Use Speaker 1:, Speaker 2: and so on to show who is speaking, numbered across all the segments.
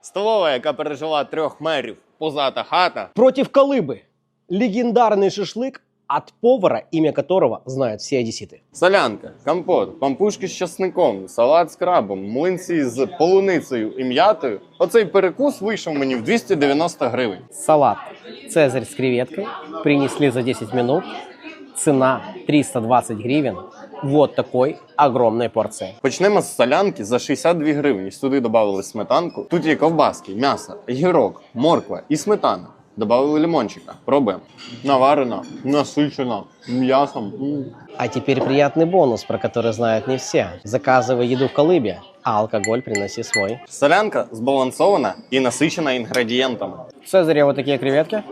Speaker 1: Столова, яка пережила 3 мерів, позата хата.
Speaker 2: Против Колыбы. Легендарный шашлык от повара, имя которого знают все одесситы.
Speaker 1: Солянка, компот, пампушки з часником, салат з крабом, млинці з полуницею і м'ятою. Оцей перекус вийшов мені в 290 гривень.
Speaker 2: Салат «Цезарь» с креветкой принесли за 10 минут. Цена 320 гривен. Вот такой огромной порции.
Speaker 1: Почнемо з солянки за 62 гривні. Сюди додали сметанку. Тут є ковбаски, м'ясо, гірок, морква і сметана. Добавили лимончика. Пробуємо. Наварена, насичена, м'ясом.
Speaker 2: А теперь приятный бонус, про который знают не все. Заказывай еду в Колыбе, а алкоголь приноси свой.
Speaker 1: Солянка збалансована і насичена інгредієнтами.
Speaker 2: В «Цезаре» вот такие креветки.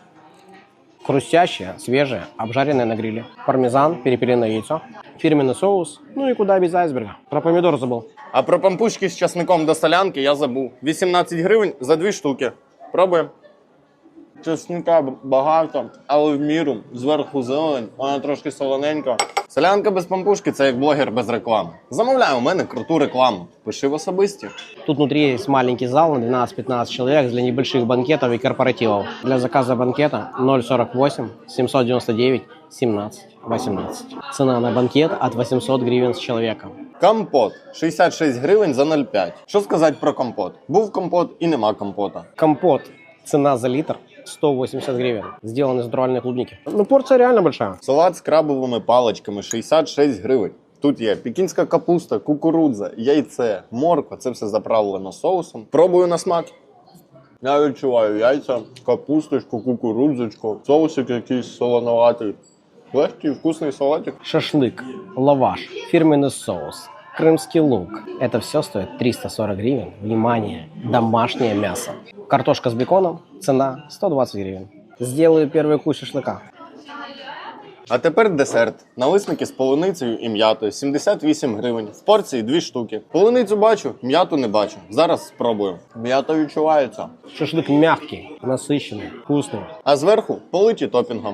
Speaker 2: Хрустящие, свежие, обжаренные на гриле. Пармезан, перепелиное яйцо, фирменный соус, ну и куда без айсберга. Про помидор забыл.
Speaker 1: А про пампушки з часником до солянки я забув. 18 гривень за 2 штуки. Пробуємо. Чесника багато, але в міру. Зверху зелень, вона трошки солоненька. Солянка без пампушки – це як блогер без реклами. Замовляй у мене круту рекламу. Пиши в особисті.
Speaker 2: Тут внутри есть маленький зал на 12-15 человек для небольших банкетов и корпоративов. Для заказа банкета 048 799 17 18. Цена на банкет от 800 гривен с человека.
Speaker 1: Компот. 66 гривень за 0,5. Що сказати про компот? Був компот і нема компота.
Speaker 2: Компот. Цена за литр 180 гривен. Сделан из натуральной клубники. Ну, порция реально большая.
Speaker 1: Салат з крабовими паличками 66 гривень. Тут є пекінська капуста, кукурудза, яйце, морква. Це все заправлено соусом. Пробую на смак. Я відчуваю яйця, капусточку, кукурудзочку, соусик якийсь солоноватий. Легкий, вкусний салатик.
Speaker 2: Шашлык, лаваш, фирменный соус, крымский лук. Это все стоит 340 гривен. Внимание, домашнее мясо. Картошка с беконом, цена 120 гривен. Сделаю первый кусь шашлыка.
Speaker 1: А тепер десерт. Налисники з полуницею і м'ятою. 78 гривень. В порції 2 штуки. Полуницю бачу, м'яту не бачу. Зараз спробую. М'ята відчувається.
Speaker 2: Шашлык мягкий, насыщенный, вкусный.
Speaker 1: А зверху политі топінгом.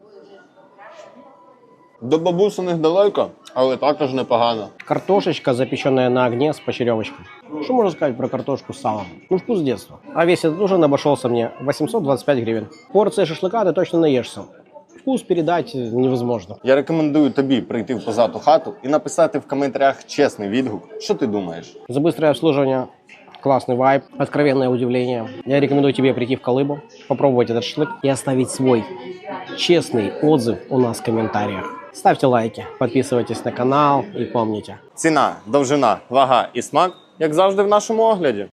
Speaker 1: До бабусиних далеко, але також непогано.
Speaker 2: Картошечка, запеченная на огне с почеревочкой. Что можно сказать про картошку с салом? Ну, вкус детства. А весь этот ужин обошелся мне 825 гривен. Порция шашлыка ты точно наешься. Вкус передать невозможно.
Speaker 1: Я рекомендую тобі прийти в позату хату і написати в коментарях чесний відгук, що ти думаєш.
Speaker 2: За быстрое обслуживание, классный вайб, откровенное удивление. Я рекомендую тебе прийти в Колыбу, попробовать этот шашлык и оставить свой честный отзыв у нас в комментариях. Ставьте лайки, подписывайтесь на канал и помните.
Speaker 1: Ціна, довжина, вага і смак, як завжди в нашому огляді.